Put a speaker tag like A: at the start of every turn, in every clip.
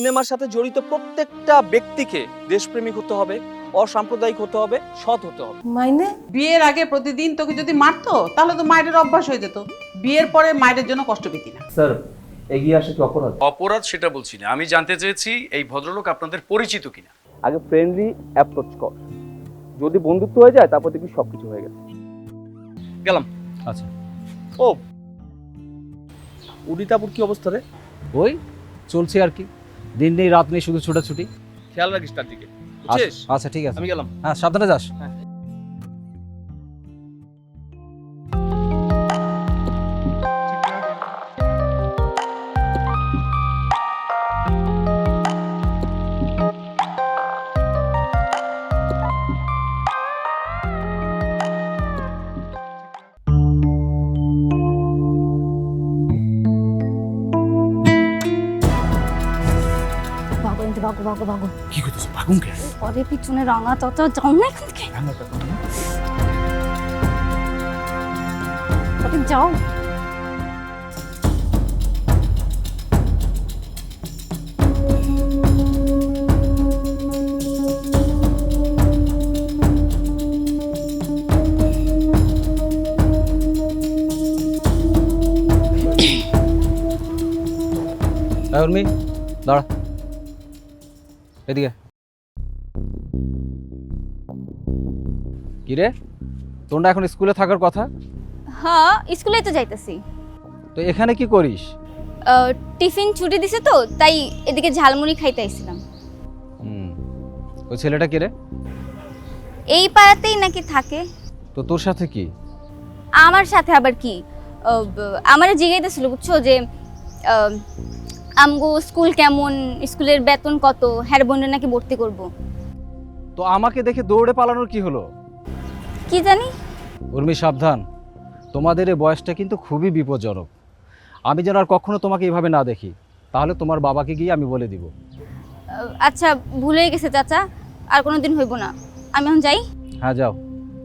A: সিনেমার সাথে জড়িত প্রত্যেকটা ব্যক্তিকে দেশপ্রেমিক হতে হবে, অসাম্প্রদায়িক হতে হবে, সৎ হতে হবে।
B: মাইনে
C: বিয়ের আগে প্রতিদিন তোকে যদি মারতো তাহলে তো মায়ের অভ্যাস হয়ে যেত। বিয়ের পরে মায়ের জন্য কষ্ট পেতি না।
D: স্যার এগিয়ে আসে কি অপরাধ?
E: অপরাধ সেটা বলছি না, আমি জানতে চেয়েছি এই ভদ্রলোক আপনাদের পরিচিত কিনা।
D: আগে ফ্রেন্ডলি অ্যাপ্রোচ কর, যদি বন্ধুত্ব হয়ে যায় তারপর দেখবি সবকিছু হয়ে গেছে।
E: গেলাম।
A: আচ্ছা, ও উদিতাপুর কি অবস্থা রে?
F: ওই চলছে আর কি, দিন নেই রাত নেই, শুধু ছোটাছুটি।
A: খেয়াল রাখিস তার দিকে, বুঝছিস?
F: আচ্ছা ঠিক আছে,
A: আমি গেলাম।
F: হ্যাঁ সাবধানে যাস।
G: ভাগো
F: কি করতেছ ভাগুন কে?
G: পরে পিছনে রাঙা তত যাও না এখান থেকে, পরে যাও।
F: উর্মি দাঁড়া, এদিকে। কি রে, তোর না এখন স্কুলে থাকার কথা?
G: হ্যাঁ স্কুলে তো যাইতেছি।
F: তো এখানে কি করিস?
G: টিফিন ছুটি দিছে তো তাই এদিকে ঝালমুড়ি খাইতে আইছিলাম।
F: ওই ছেলেটা কি রে?
G: এই পাড়াতেই নাকি থাকে।
F: তো তোর সাথে কি?
G: আমার সাথে আবার কি, আমারে জিজ্ঞাইতেছিল বুঝছো যে আমগো স্কুল কেমন, স্কুলের বেতন কত, হ্যার বোনের নাকি ভর্তি করব।
F: তো আমাকে দেখে দৌড়ে পালানোর কি হলো?
G: কি জানি।
F: উর্মি সাবধান, তোমাদের এই বয়সটা কিন্তু খুবই বিপজ্জনক। আমি যেন আর কখনো তোমাকে এইভাবে না দেখি, তাহলে তোমার বাবাকে গিয়ে আমি বলে দিব।
G: আচ্ছা ভুলেই গেছে চাচা, আর কোনোদিন হইব না। আমি এখন যাই।
F: হ্যাঁ যাও।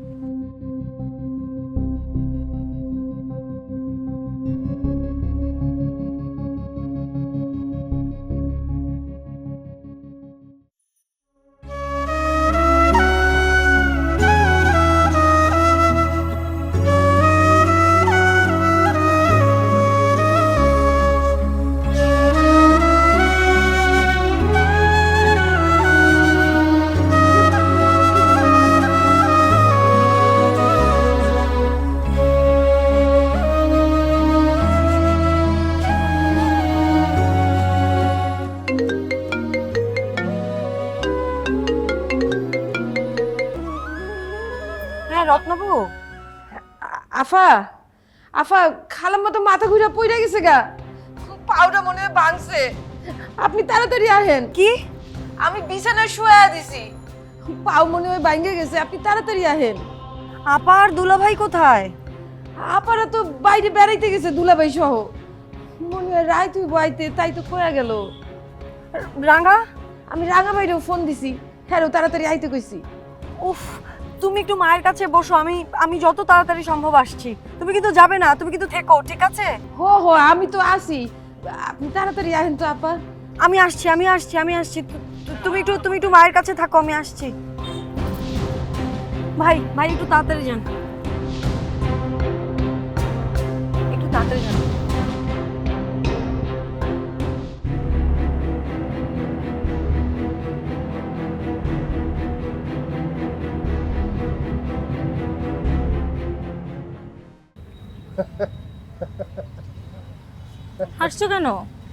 B: হ্যাঁ রত্নবু, আফা আফা খালাম্মা তো মাথা ঘুরে পড়ে গেছে গা, পাউডার মনে হয় ভাঙছে। আপনি তাড়াতাড়ি আহেন। কি? আমি বিছানায় শুয়ে দিছি, পাও মনে হয় ভাঙে গেছে, আপনি তাড়াতাড়ি আহেন।
H: আপার দুলাভাই কোথায়?
B: আপারা তো বাইরে বেড়াইতে গেছে দুলাভাই সহ, মনে হয় রায় তুই বইতে, তাই তো কয়া গেল।
H: রাঙা?
B: আমি রাঙা বাইরেও ফোন দিছি, হ্যাঁ তাড়াতাড়ি আইতে কইছি।
H: উফ, তুমি একটু মায়ের কাছে বসো, আমি যত তাড়াতাড়ি সম্ভব আসছি। তুমি কিন্তু যাবে না, তুমি কিন্তু থেকো, ঠিক আছে?
B: হো হো আমি তো আসি, আপনি তাড়াতাড়ি আহেন তো আপা।
H: আমি আসছি। তুমি একটু মায়ের কাছে থাকো, আমি আসছি। ভাই একটু তাড়াতাড়ি যান, একটু তাড়াতাড়ি যান।
G: হাসছো কেন?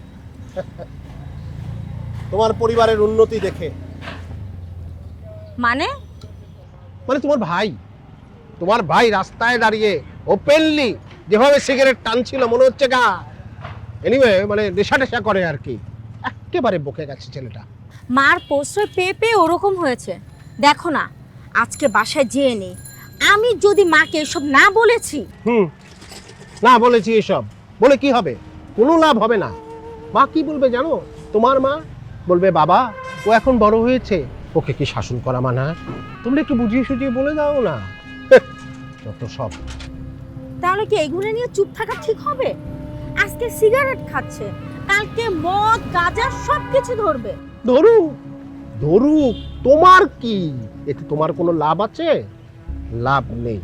I: তোমার পরিবারের উন্নতি দেখে।
G: মানে?
I: মানে তোমার ভাই রাস্তায় দাঁড়িয়ে ওপেনলি যেভাবে সিগারেট টানছিল মনে হচ্ছে গা, এনিওয়ে মানে নেশা টেশা করে আর কি, একেবারে বকে গেছে ছেলেটা।
J: মার প্রশ্রয় পেয়ে পেয়ে ওরকম হয়েছে। দেখো না, আজকে বাসায় যেয়ে নেই, আমি যদি মাকে এসব না বলেছি।
I: না বলেছি এসব বলে কি হবে? কোনো লাভ হবে না। মা কি বলবে জানো? তোমার মা বলবে বাবা ও এখন বড় হয়েছে, ওকে কি শাসন করা মানা? তোমরা একটু বুঝিয়ে সুঝিয়ে বলে দাও না। যত সব।
J: তাহলে কি এগুলো নিয়ে চুপ থাকা ঠিক হবে? আজকে সিগারেট খাচ্ছে, কালকে মদ গাঁজা সবকিছু ধরবে।
I: ধরুক ধরুক, তোমার কি এতে? তোমার কোনো লাভ আছে? লাভ নেই।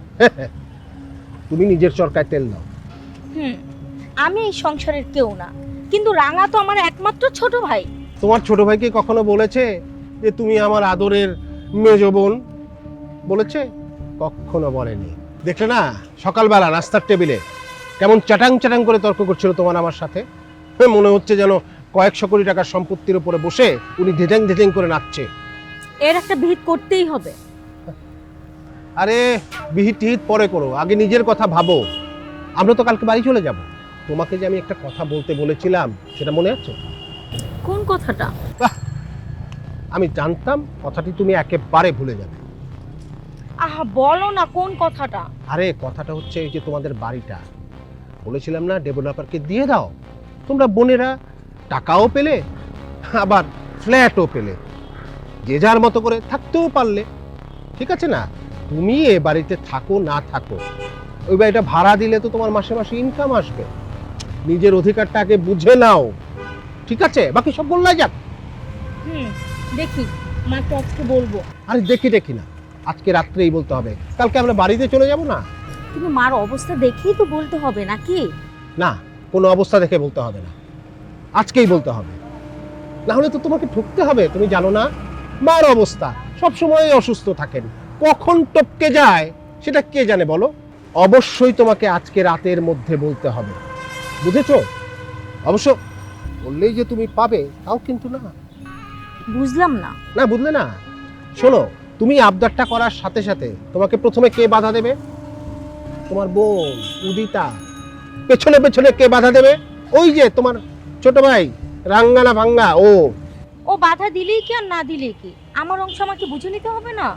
I: তুমি নিজের চরকায় তেল দাও।
J: আমি এই সংসারের কেউ না, কিন্তু রাঙা তো আমার একমাত্র ছোট ভাই।
I: তোমার ছোট ভাইকে কখনো বলেছে যে তুমি আমার আদরের মেজ বোন? বলেছে? কখনো বলেনি। দেখলে না সকালবেলা নাস্তার টেবিলে কেমন চাটাং চাটাং করে তর্ক করছিল তোমার আমার সাথে? মনে হচ্ছে যেন কয়েকশো কোটি টাকার সম্পত্তির উপরে বসে উনি ধেটেং ধেটেং করে নাচছে।
J: এর একটা বিহিত করতেই হবে।
I: আরে বিহিত টিহিত পরে করো, আগে নিজের কথা ভাবো। আমরা তো কালকে বাড়ি চলে যাব। তোমাকে যে আমি একটা কথা বলতে বলেছিলাম সেটা মনে আছে?
J: কোন কথাটা?
I: আমি জানতাম কথাটি তুমি একেবারে ভুলে যাবে।
J: আহা বলো না কোন কথাটা।
I: আরে কথাটা হচ্ছে এই যে তোমাদের বাড়িটা বলেছিলাম না ডেভেলপারকে দিয়ে দাও, তোমরা বোনেরা টাকাও পেলে আবার ফ্ল্যাটও পেলে, যে যার মতো করে থাকতেও পারলে। ঠিক আছে না? তুমি এ বাড়িতে থাকো না থাকো, ওই বাড়িটা ভাড়া দিলে তো তোমার মাসে মাসে ইনকাম আসবে। নিজের অধিকারটা আগে বুঝে নাও, ঠিক আছে? বাকি সব বললাই যাক।
J: দেখি মাকে আজকে বলবো।
I: আরে দেখি দেখি না, আজকে রাত্রেই বলতে হবে, কালকে আমরা বাড়িতে চলে যাব না?
J: কিন্তু মার অবস্থা দেখেই তো বলতে হবে নাকি?
I: না, কোনো অবস্থা দেখে বলতে হবে না, আজকেই বলতে হবে। না হলে তো তোমাকে ঠকতে হবে। তুমি জানো না মার অবস্থা, সবসময় অসুস্থ থাকেন, কখন টপকে যায় সেটা কে জানে বলো? অবশ্যই তোমাকে আজকে রাতের মধ্যে বলতে হবে, বুঝেছো? অবশ্য বললেই যে তুমি পাবে তাও কিন্তু না।
J: বুঝলাম না।
I: না বুঝলে না? শোনো, তুমি আবদারটা করার সাথে সাথে তোমাকে প্রথমে কে বাধা দেবে? তোমার বোন উদিতা। পেছনে পেছনে কে বাধা দেবে? ওই যে তোমার ছোট ভাই রাঙ্গানা ভাঙ্গা।
J: ও বাধা দিলেই কি আর না দিলেই কি, আমার অংশ আমাকে বুঝে নিতে হবে না?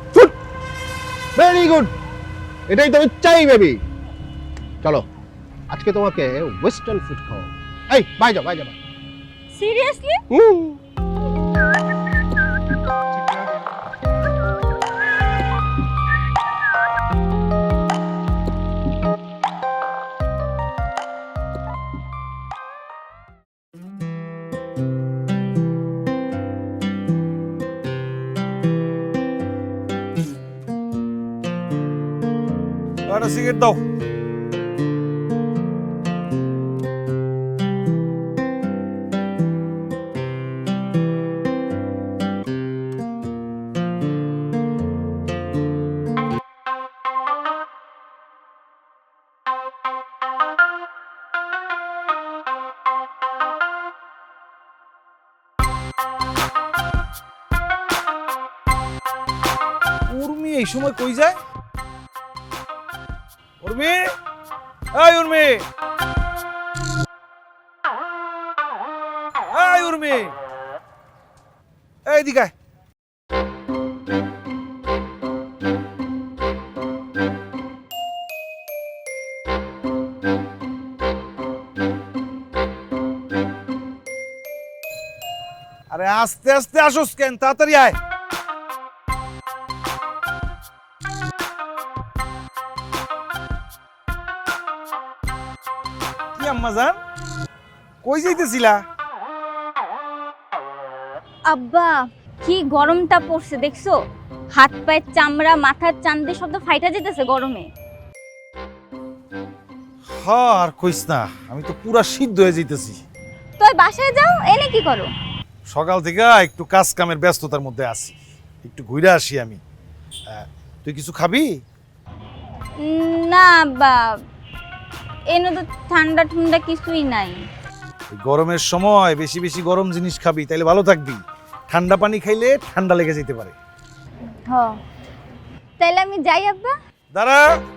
I: ভেরি গুড, এটাই তুমি চাই বেবি। চলো আজকে তোমাকে ওয়েস্টার্ন ফুড খাও। এই বাই যাও বাই যাও।
J: সিরিয়াসলি?
K: একটা সিগারেট দাও। উর্মি এই সময় কই যায়? উর্মি, এই উর্মি, এই উর্মি, এই দিকে। আরে আস্তে আস্তে আসোস কেন? তাড়াতাড়ি আয়। কি আম্মা জান, কই যাইতেছিলা?
G: আব্বা কি গরমটা পড়ছে দেখছো? হাত পায়ের চামড়া মাথার চান্দে সব তো ফাইটা যেতেছে গরমে।
K: হ্যাঁ আর কইস না, আমি তো পুরা সিদ্ধ হয়ে যাইতেছি।
G: তুই বাসায় যাও, এনে কি করো?
K: সকাল থেকে একটু কাজ কামের ব্যস্ততার মধ্যে আছি, একটু ঘুরে আসি আমি। তুই কিছু খাবি?
G: না আব্বা, এনে তো ঠান্ডা ঠান্ডা কিছুই নাই।
K: এই গরমের সময় বেশি বেশি গরম জিনিস খাবি, তাইলে ভালো থাকবি। ঠান্ডা পানি খাইলে ঠান্ডা লেগে যেতে পারে।
G: তাইলে আমি যাই আব্বা।
K: দাঁড়া,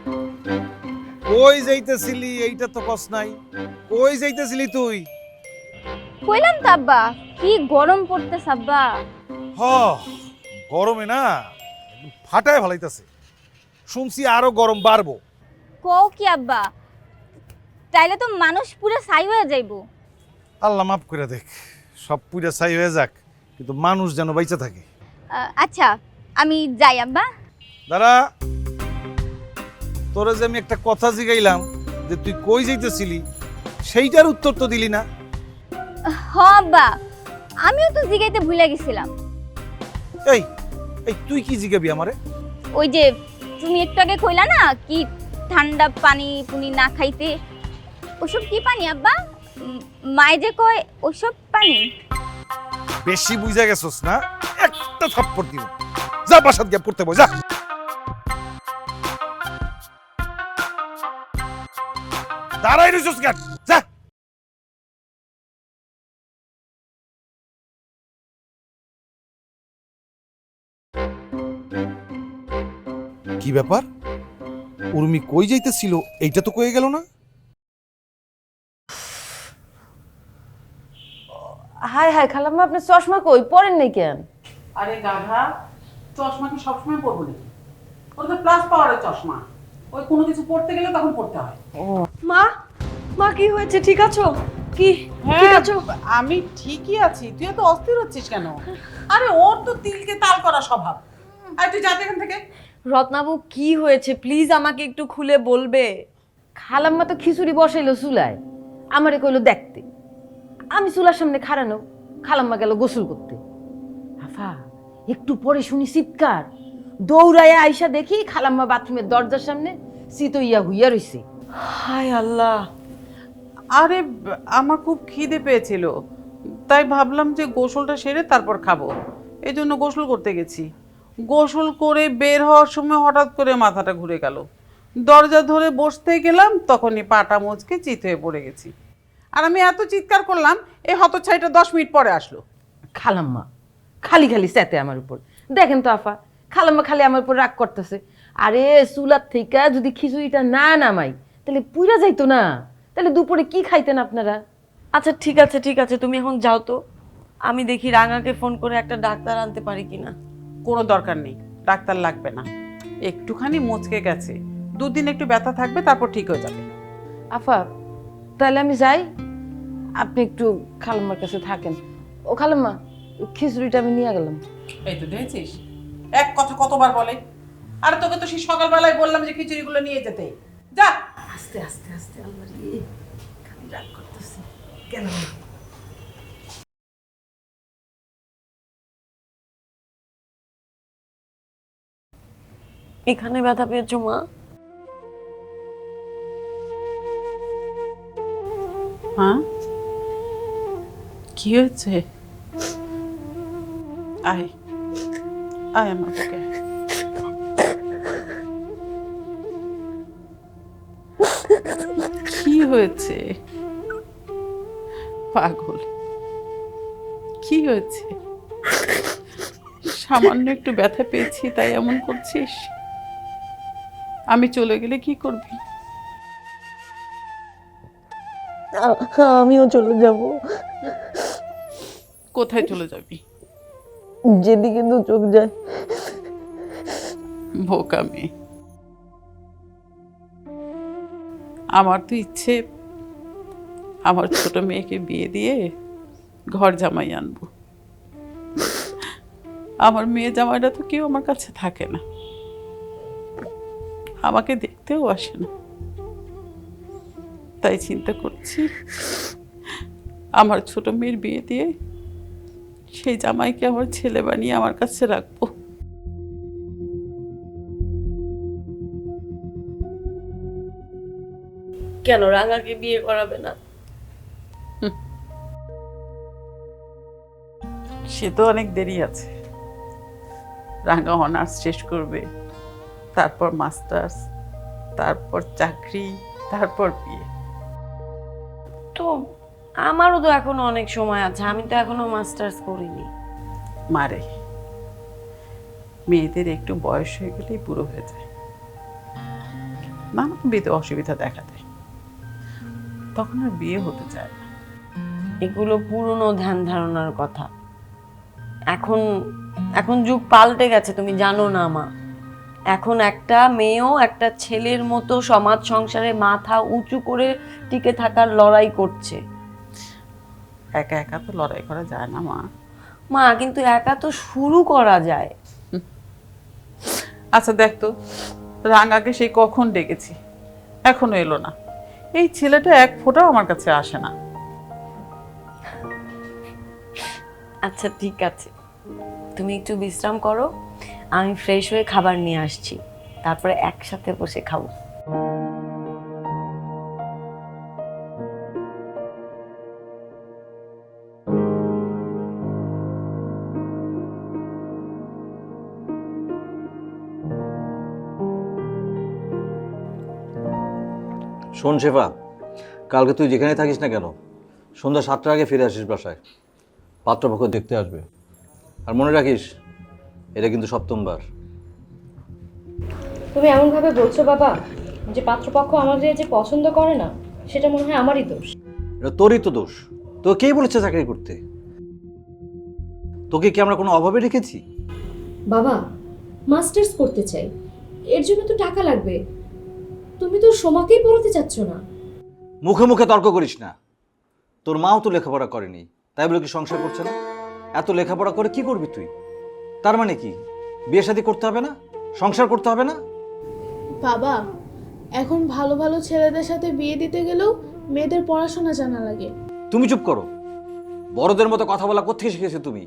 K: কই যাইতেছিলি এইটা তো কস নাই। কই যাইতেছিলি তুই?
G: কইলাম তো আব্বা, কি গরম পড়তেছে আব্বা।
K: হ, গরমে না একদম ফাটায় ভালাইতেছে। শুনছি আরো গরম বাড়বো।
G: কও কি আব্বা? তাইলে তো মানুষ পুরো ছাই হয়ে যাইবো।
K: আল্লাহ মাফ করে দেখ, সব পুরা ছাই হয়ে যাক, কিন্তু মানুষ যেন বাইচা থাকে।
G: আচ্ছা আমি যাই আব্বা।
K: দাঁড়া, তোরে যে আমি একটা কথা জিগাইলাম যে তুই কই যাইতেছিলি, সেইটার উত্তর তো দিলি না।
G: হ আব্বা, আমিও তো জিগাইতে ভুলে গেছিলাম।
K: এই এই তুই কি জিগাবি আমারে?
G: ওই যে তুমি একটু আগে কইলা না কি ঠান্ডা পানি পুনি না খাইতে, ওসব কি পানি আব্বা? মায়ে যে কয় ওসব পানি।
K: বেশি বুঝা গেছস না, একটা থাপ্পড় দিব। যা বাসাত গিয়ে পড়তে বই, যা। দাঁড়াই রইছস কেন? যা। কি ব্যাপার, উর্মি কই যাইতেছিল এইটা তো কয়ে গেল না?
B: হাই হাই খালাম্মা, আপনি চশমা কই পরেন নাই কেন?
C: আরে গাধা, চশমা কি সবসময় পরবো নাকি? ওটা তো প্লাস পাওয়ারের চশমা, ওই কোনো কিছু পড়তে গেলে তখন পড়তে হয়।
H: মা, মা কি হয়েছে? ঠিক আছো? কি ঠিক আছো?
C: আমি ঠিকই আছি, তুই তো অস্থির হচ্ছিস কেন? আরে ওর তো তিলকে তাল করা স্বভাব। আর তুই যাতে এখান থেকে।
H: রত্নাবু কি হয়েছে প্লিজ আমাকে একটু খুলে বলবে?
B: খালাম্মা তো খিচুড়ি বসাইলো চুলায়, আমারে কইলো দেখতে। আমি চুলার সামনে খাড়ানো, খালাম্মা গেল গোসল করতে। আফা একটু পরে শুনি চিৎকার, দৌড়াইয়া আইসা দেখি খালাম্মা বাথরুমের দরজার সামনে চিতইয়া হুইয়া রইছে।
H: হায় আল্লাহ।
C: আরে আমার খুব খিদে পেয়েছিল, তাই ভাবলাম যে গোসলটা সেরে তারপর খাবো, এই জন্য গোসল করতে গেছি। গোসল করে বের হওয়ার সময় হঠাৎ করে মাথাটা ঘুরে গেল, দরজা ধরে বসতে গেলাম, তখনই পাটা মোচকে চিত হয়ে পড়ে গেছি। আর আমি এত চিৎকার করলাম, এই হতচ্ছাইটা 10 মিনিট পরে আসলো।
B: খালাম্মা খালি খালি চেতে আমার উপর। দেখেন তো আফা, খালাম্মা খালি আমার উপর রাগ করতেছে। আরে চুলার থেকে যদি খিচুড়িটা না নামাই তাহলে পুইরা যাইতো না, তাহলে দুপুরে কি খাইতেন আপনারা?
H: আচ্ছা ঠিক আছে, তুমি এখন যাও তো, আমি দেখি রাঙাকে ফোন করে একটা ডাক্তার আনতে পারি কিনা।
C: কোনো দরকার নেই, ডাক্তার লাগবে না, একটুখানি মুচকে গেছে, 2 দিন একটু ব্যথা থাকবে, তারপর ঠিক হয়ে যাবে।
B: আফা তাহলে আমি যাই, আপনি একটু খালাম্মার কাছে থাকেন। ও খালাম্মা, খিচুড়িটা আমি নিয়ে গেলাম।
C: এই তো দেখেছিস, এক কথা কতবার বলে। আর তোকে তো সেই সকালবেলায় বললাম যে খিচুড়িগুলো নিয়ে যেতে। যা।
B: আস্তে আস্তে আস্তে, আল্লাহ রে, খালি রাগ করতেছি কেন?
H: এখানে ব্যথা পেয়েছো মা?
C: হ্যাঁ, কি হয়েছে? আয় আয় আমার বুকে। কি হয়েছে পাগল? কি হয়েছে? সামান্য একটু ব্যথা পেয়েছি তাই এমন করছিস? আমি চলে গেলে কি করবি?
B: আমিও চলে যাব।
C: কোথায় চলে যাবি?
B: যেদিকে তো চোখ যায়।
C: বোকা মেয়ে। আমার তো ইচ্ছে আমার ছোট মেয়েকে বিয়ে দিয়ে ঘর জামাই আনবো। আমার মেয়ে জামাইটা তো কেউ আমার কাছে থাকে না, আমাকে দেখতেও আসে না। তাই চিন্তা করছি আমার ছোট মেয়ের বিয়ে দিয়ে সেই জামাইকে আমার ছেলে বানিয়ে আমার কাছে রাখবো।
H: কেন রাঙাকে বিয়ে করাবে না?
C: সে তো অনেক দেরি আছে। রাঙা অনার্স শেষ করবে, তারপর মাস্টার্স, তারপর চাকরি, তারপর বিয়ে।
H: তো আমারও তো এখনো অনেক সময় আছে, আমি তো এখনো মাস্টার্স করিনি।
C: মারে, মেয়েদের একটু বয়স হয়ে গেলেই বুড়ো হয়ে যায়, নানাবিধ অসুবিধা দেখা দেয়, তখন আর বিয়ে হতে চায় না।
H: এগুলো পুরনো ধ্যান ধারণার কথা। এখন এখন যুগ পাল্টে গেছে, তুমি জানো না মা। এখন একটা মেয়েও একটা ছেলের মতো সমাজ সংসারে মাথা উঁচু করে টিকে থাকার লড়াই করছে।
C: একা একা তো লড়াই করা যায় না মা।
H: মা কিন্তু একা তো শুরু করা যায়।
C: আচ্ছা দেখ তো, রাঙাকে সেই কখন ডেকেছি, এখনো এলো না। এই ছেলেটা এক ফোঁটাও আমার কাছে আসে না।
H: আচ্ছা ঠিক আছে, তুমি একটু বিশ্রাম করো, আমি ফ্রেশ হয়ে খাবার নিয়ে আসছি, তারপরে একসাথে বসে খাবো।
L: শোন শেফা, কালকে তুই যেখানে থাকিস না কেন সন্ধ্যা 7টার আগে ফিরে আসিস বাসায়। পাত্রপক্ষ দেখতে আসবে। আর মনে রাখিস, এটা কিন্তু সপ্তমবার।
M: তুমি এমনভাবে বলছো বাবা যে পাত্রপক্ষ আমাদের যে পছন্দ করে না, সেটা মনে হয় আমারই দোষ।
L: এটা তোরই তো দোষ। তো কে বলেছে চাকরি করতে? তোকে কি আমরা কোনো অভাবে রেখেছি?
M: বাবা, মাস্টার্স করতে চাই, এর জন্য তো টাকা লাগবে। তুমি তো সোমাকেই পড়াতে চাচ্ছ না।
L: মুখে মুখে তর্ক করিস না। তোর মাও তো লেখাপড়া করেনি, তাই বলে কি সংসার করছে না? এত লেখাপড়া করে কি করবি তুই? তার মানে কি বিয়ে শাদী করতে হবে না, সংসার করতে হবে না?
N: বাবা, এখন ভালো ভালো ছেলেদের সাথে বিয়ে দিতে গেলেও মেয়েদের পড়াশোনা জানা লাগে।
L: তুমি চুপ করো। বড়দের মতো কথা বলা কোত্থেকে শিখেছো তুমি?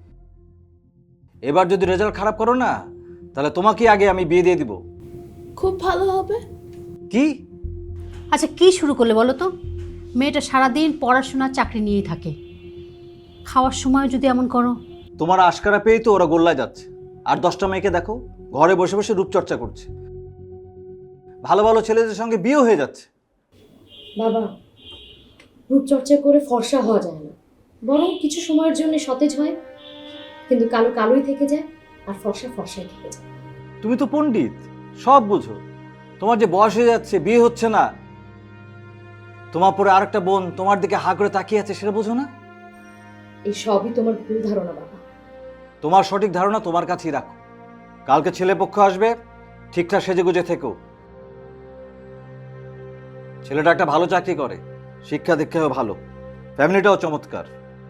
L: এবার যদি রেজাল্ট খারাপ করো না, তাহলে তোমাকে আগে আমি বিয়ে দিয়ে দিব।
N: খুব ভালো হবে।
L: কি?
J: আচ্ছা কি শুরু করলে বলো তো? মেয়েটা সারাদিন পড়াশোনা চাকরি নিয়েই থাকে, খাওয়ার সময় যদি এমন করো।
L: তোমার আশকারা পেয়েই তো ওরা গোল্লায় যাচ্ছে। আর 10টা মেয়েকে দেখো ঘরে বসে বসে রূপচর্চা করছে, ভালো ভালো ছেলেদের সঙ্গে বিয়ে হয়ে যাচ্ছে।
M: বাবা, রূপচর্চা করে ফর্সা হওয়া যায় না, বরং কিছু সময়ের জন্য সতেজ হয়, কিন্তু কালো কালোই থেকে যায় আর ফর্সা ফর্সাই থেকে যায়।
L: তুমি তো পণ্ডিত, সব বুঝো। তোমার যে বয়স হয়ে যাচ্ছে, বিয়ে হচ্ছে না, তোমার পরে আরেকটা বোন তোমার দিকে হা করে তাকিয়ে আছে, সেটা বোঝো না?
M: এই সবই তোমার ভুল ধারণা বাবা।
L: তোমার সঠিক ধারণা তোমার কাছেই রাখো। কালকে ছেলে পক্ষ আসবে, ঠিকঠাক সেজেগুজে থেকো। ছেলেটা একটা ভালো চাকরি করে, শিক্ষা দীক্ষাও ভালো, ফ্যামিলিটাও চমৎকার।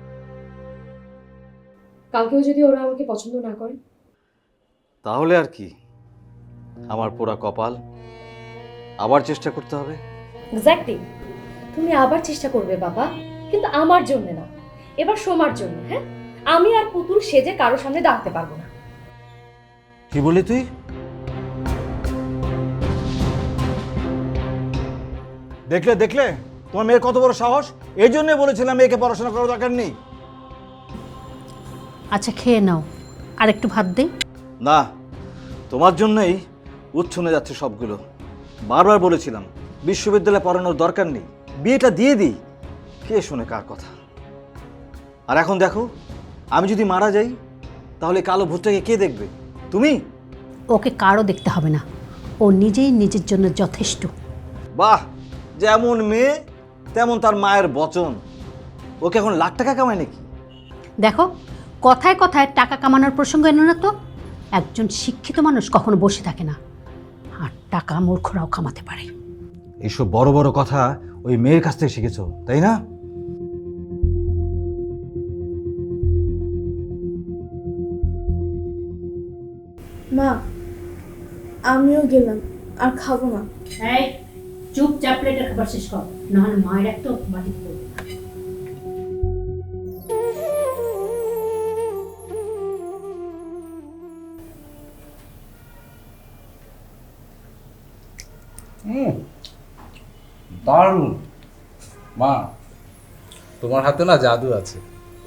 M: কালকেও যদি ওরা আমাকে পছন্দ না করে?
L: তাহলে আর কি, আমার পোড়া কপাল, আবার চেষ্টা করতে হবে।
M: এক্স্যাক্টলি, তুমি আবার চেষ্টা করবে বাবা, কিন্তু আমার জন্য না, এবার সোমার জন্য। হ্যাঁ, আমি আর পুতুল সেজে কারো সামনে দাঁড়াতে পারবো না।
L: কি বলি তুই? দেখলে দেখলে তোমার মেয়ের কত বড় সাহস। এই জন্য বলেছিলাম মেয়েকে পড়াশোনা করার দরকার নেই।
J: আচ্ছা খেয়ে নাও, আর একটু ভাত দেই।
L: না, তোমার জন্যই উচ্ছনে যাচ্ছে সবগুলো। বারবার বলেছিলাম বিশ্ববিদ্যালয়ে পড়ানোর দরকার নেই, বিয়েটা দিয়ে দিই। কে শোনে কার কথা? আর এখন দেখো, আমি যদি মারা যাই তাহলে কালো ভূতটাকে কে দেখবে? তুমি?
J: ওকে কারো দেখতে হবে না, ও নিজেই নিজের জন্য যথেষ্ট।
L: বাহ, যেমন মেয়ে তেমন তার মায়ের বচন। ওকে এখন লাখ টাকা কামায় নাকি?
J: দেখো, কথায় কথায় টাকা কামানোর প্রসঙ্গ এনো না তো। একজন শিক্ষিত মানুষ কখনো বসে থাকে না, আর টাকা মূর্খরাও কামাতে পারে।
L: এইসব বড় বড় কথা ওই মেয়ের কাছ থেকে শিখেছো, তাই না?
N: মা, আমিও গেলাম, আর খাবো না।
J: এই চুপচাপ প্লেটের খাবার শেষ কর, নাহলে মায়ের একটা বাটি করবে।
F: দারুণ মা, তোমার হাতে না জাদু আছে।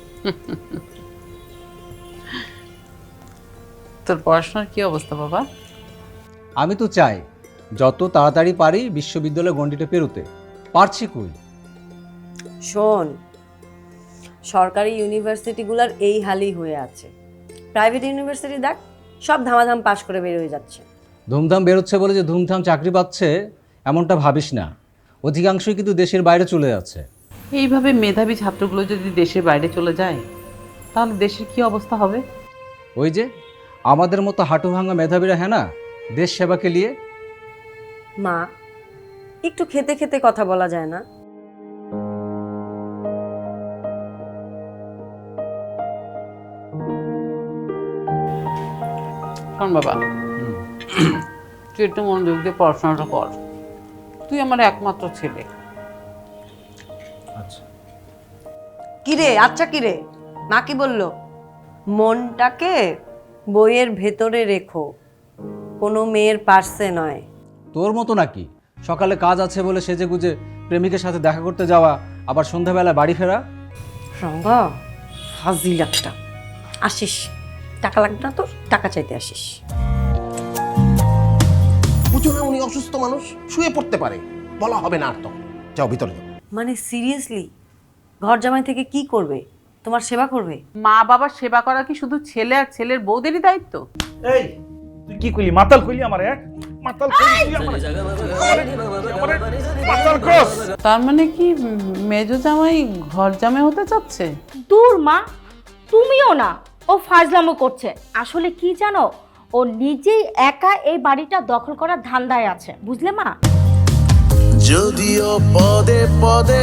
C: তোর পড়াশোনার কি অবস্থা বাবা?
F: আমি তো চাই যত তাড়াতাড়ি পারি বিশ্ববিদ্যালয় গণ্ডিটা পেরোতে, পারছি কই।
H: শোন, সরকারি ইউনিভার্সিটিগুলোর এই হালই হয়ে আছে। প্রাইভেট ইউনিভার্সিটি দেখ, সব ধামাধাম পাশ করে বের হয়ে যাচ্ছে।
F: ধুমধাম বেরোচ্ছে বলে যে ধুমধাম চাকরি পাচ্ছে এমনটা ভাবিস না, অধিকাংশই কিন্তু দেশের বাইরে চলে যাচ্ছে।
C: এইভাবে মেধাবী ছাত্রগুলো যদি দেশের বাইরে চলে যায়, তাহলে দেশের কি অবস্থা হবে?
F: ওই যে আমাদের মতো হাঁটু ভাঙা মেধাবীরা, হ্যাঁ না, দেশ সেবাকে নিয়ে।
H: মা, একটু খেতে খেতে কথা বলা যায় না?
C: শোন বাবা, তুই একটু মনোযোগ দিয়ে পড়াশোনাটা কর। তুই আমার একমাত্র ছেলে।
F: আচ্ছা
H: কিরে, আচ্ছা কিরে, মা কি বলল? মনটাকে বইয়ের ভেতরে রেখো, কোনো মেয়ের পার্সে নয়।
F: তোর মতো নাকি সকালে কাজ আছে বলে সেজে গুজে প্রেমিকের সাথে দেখা করতে যাওয়া, আবার সন্ধ্যাবেলা বাড়ি ফেরা?
H: রঙ্গা ফাজিল একটা। আসিস, টাকা লাগবে না তোর? টাকা চাইতে আসিস?
I: বুঝো না উনি অসুস্থ মানুষ, শুয়ে পড়তে পারে, বলা হবে না আর তখন। যাও ভিতরে যাও।
H: মানে সিরিয়াসলি ঘর জামাই থেকে কি করবে? তোমার সেবা করবে?
C: মা বাবার সেবা করা কি শুধু ছেলে আর ছেলের বউদেরই দায়িত্ব?
K: এই তুই কি কইলি? মাতাল কইলি আমারে? মাতাল কইলি তুই আমারে? মাতাল কস?
C: তার মানে কি মেজো জামাই ঘর জামাই হতে চাচ্ছে?
O: দূর মা, তুমিও না, ও ফাজলামো করছে। আসলে কি জানো, ও নিজেই একা এই বাড়িটা দখল করার ধান্দায় আছে, বুঝলে মা?
P: যদিও পদে পদে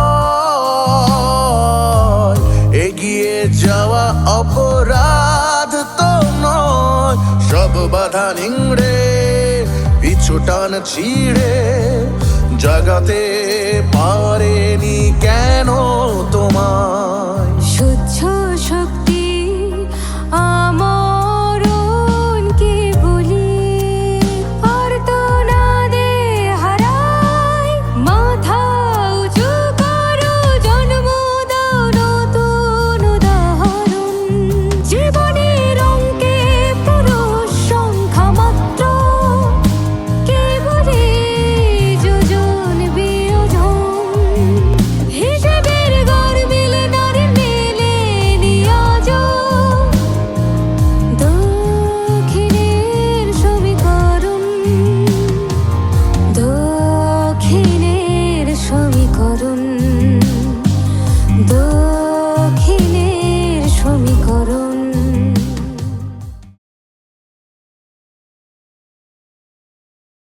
P: ভয়, এগিয়ে যাওয়া অপরাধ তো নয়। সব বাধা নিংড়ে পিছু টান ছিঁড়ে জাগাতে পারেনি কেন তোমার